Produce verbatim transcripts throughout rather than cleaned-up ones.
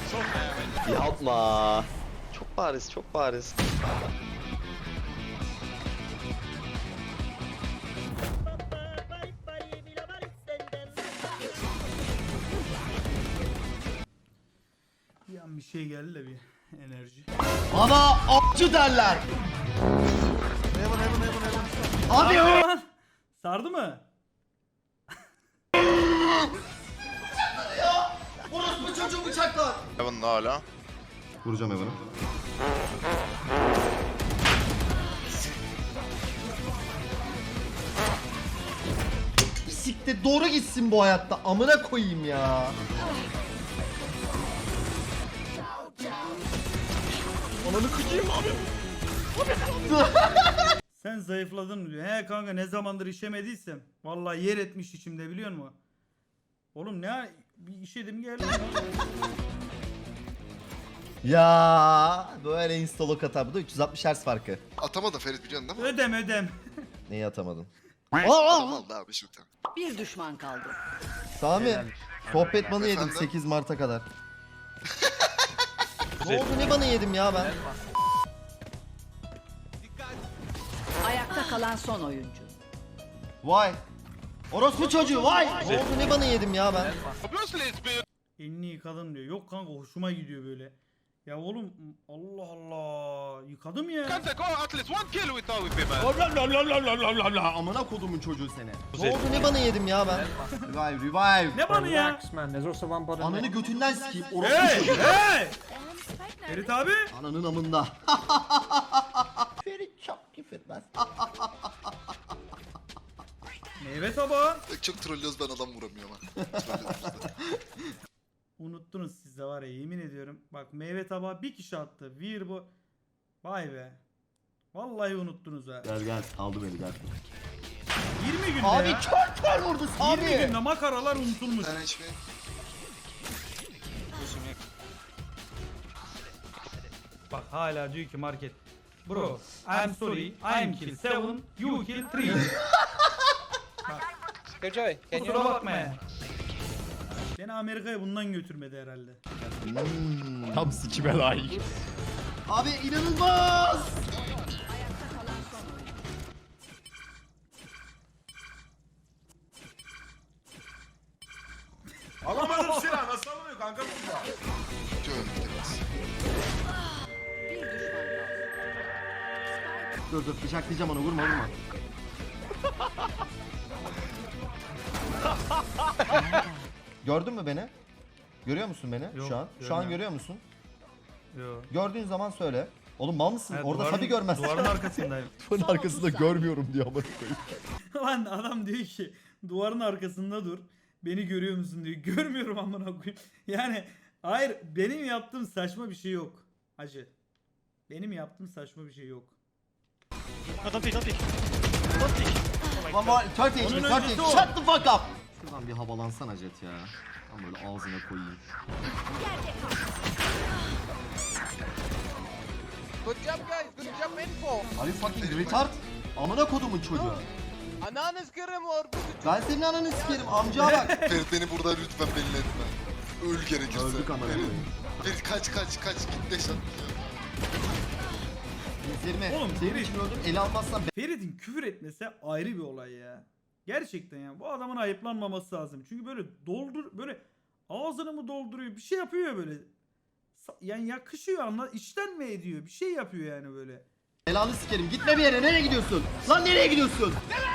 Yapma. Çok bariz, çok bariz. Bir an bir şey geldi de bir enerji. Bana avcı derler. Hadi ya. Lan! Sardı mı? Orospu çocuğu bıçaklar. Heaven hala. Vuracağım Evan'ı. Siktir doğru gitsin bu hayatta. Amına koyayım ya. Ananı kıcıyım abi. Sen zayıfladın mı diyor. He kanka ne zamandır işemediysem. Vallahi yer etmiş içimde biliyor musun? Oğlum ne bir işedim geldi. Ya böyle instalok atar. Bu da üç yüz altmış Hz farkı. Atamadı Ferit biliyorsun değil mi? Ödem ödem. Neyi atamadın? Adam Aa! aldı abi şimdi. Bir düşman kaldı. Sami, sohbet banı yedim Efendim? sekiz Mart'a kadar. Ne oldu ne banı yedim ya ben? Ayakta kalan son oyuncu. Vay. Orospu çocuğu vay. Ne oldu ne banı yedim ya ben? Elini yıkadım diyor. Yok kanka hoşuma gidiyor böyle. Ya oğlum Allah Allah yıkadım ya. Amına kodumun çocuğu seni. Ne oldu ne banı yedim ya ben? Revive revive. Ne bana ya? Relax, man. There's also one bottom. Ananı götünden sikeyim orospu Hey çocuğu. hey! Ferit abi. Ananın amında. Ferit çok küfürmez. Meyve tabağı. Çok trollüyoruz ben adam vuramıyorum ha. Trollüyoruz da. Unuttunuz siz de var ya yemin ediyorum. Bak meyve tabağı bir kişi attı. Bir bu. Vay be. Vallahi unuttunuz ha. Gel gel aldı beni gel. yirmi günde Abi ya. kör kör vurdu yirmi Sami. günde makaralar unutulmuş. Sen hiç mi? Bak hala diyor ki market. Bro, I'm sorry, I'm kill seven, you kill three. Joy, can Kusura bakma ya. Beni Amerika'ya bundan götürmedi herhalde. Hmm. Tam sikime layık. Abi inanılmaz. Alamadım silah nasıl alınıyor kanka bu? Diyorum biraz. Bir düşman kaldı. Dur dur bıçaklayacağım onu vurma vurma. Gördün mü beni? Görüyor musun beni Yok, şu an? Şu an görmüyorum. görüyor musun? Yo. Gördüğün zaman söyle. Oğlum mal mısın? Evet, Orada duvarın- tabii görmezsin. Duvarın arkasındayım. Duvarın arkasında görmüyorum diyor amına koyayım. Lan adam diyor ki duvarın arkasında dur. Beni görüyor musun diyor. Görmüyorum amına koyayım. Yani hayır benim yaptığım saçma bir şey yok. Hacı. Benim yaptığım saçma bir şey yok. One more, thirty H P, Onun thirty. öncesi o. Shut the fuck up. Şuradan bir havalansana Jet ya. Ben böyle ağzına koyayım. Good job, guys. Good job, info. Are you fucking retard? Amına kodumun çocuğu. Ananı sıkırım or. Ben senin ananı sikerim amca bak. Ferit beni burada lütfen belli etme. Öl gerekirse. Öldük amına Ferit, koyayım. Ferit kaç kaç kaç git de sen. Üzerime Oğlum, senin Ferit. için öldüm ele almazsan Ferit'in küfür etmesi ayrı bir olay ya. Gerçekten ya. Bu adamın ayıplanmaması lazım. Çünkü böyle doldur böyle ağzını mı dolduruyor bir şey yapıyor ya böyle. Sa- Yani yakışıyor anla içten mi ediyor bir şey yapıyor yani böyle. belanı sikerim. Gitme bir yere. Nereye gidiyorsun? Lan nereye gidiyorsun?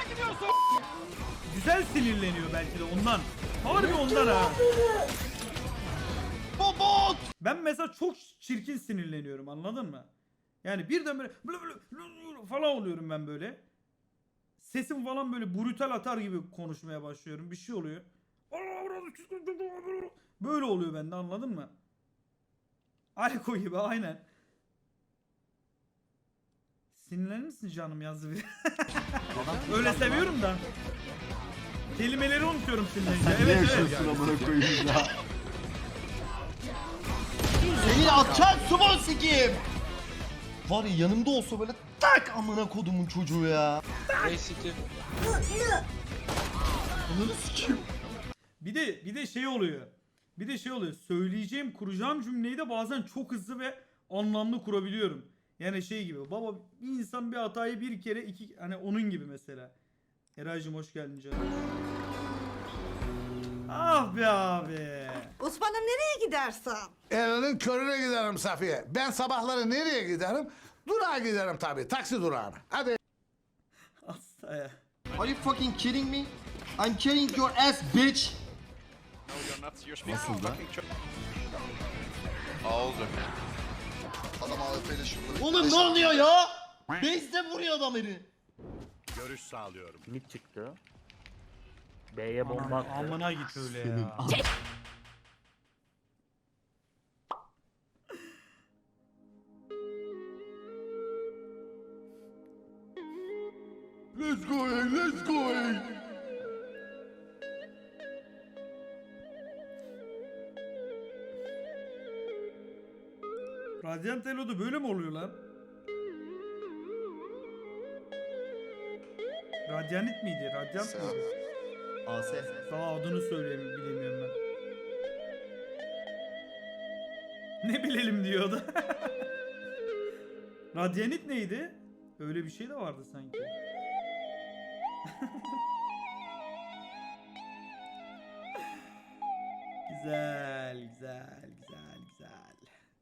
Güzel sinirleniyor belki de ondan. Harbi ondan ha. Bobot. Ben mesela çok çirkin sinirleniyorum anladın mı? Yani birden böyle blı blı blı falan oluyorum ben böyle. Sesim falan böyle brutal atar gibi konuşmaya başlıyorum. Bir şey oluyor. Böyle oluyor bende anladın mı? Alko gibi aynen. Sinirlenir misin canım yazdı biri. Öyle seviyorum da. Kelimeleri unutuyorum sinirlenince. Ne Evet evet. yaşıyorsun amına koyayım ya? Senin atacağın sumo sikeyim. Var ya yanımda olsa böyle tak amına kodumun çocuğu ya. Basically. Ananı sikeyim. Bir de bir de şey oluyor. Bir Bir de şey oluyor. Söyleyeceğim, kuracağım cümleyi de bazen çok hızlı ve anlamlı kurabiliyorum. Yani şey gibi. Baba bir insan bir hatayı bir kere iki hani onun gibi mesela. Eraycığım hoş geldin canım. Ah be abi. Osman'ım nereye gidersen? Elinin körüne giderim Safiye. Ben sabahları nereye giderim? Durağa giderim tabii. Taksi durağına. Hadi. Hasta ya. Are you fucking kidding me? I'm carrying your ass bitch. Nasıl da? Adam A W P ile şurada. Oğlum ne oluyor ya? Base'de vuruyor adam beni. Görüş sağlıyorum. Mid çıktı. B'ye bomba attı. Amına git öyle ya. Let's go, let's go. Radyant Elo'da böyle mi oluyor lan? Radyanit miydi? Radyant mıydı? A S. Daha adını söyleyeyim bilemiyorum ben. Ne bilelim diyor o da. Radyanit neydi? Öyle bir şey de vardı sanki. Güzel, güzel, güzel.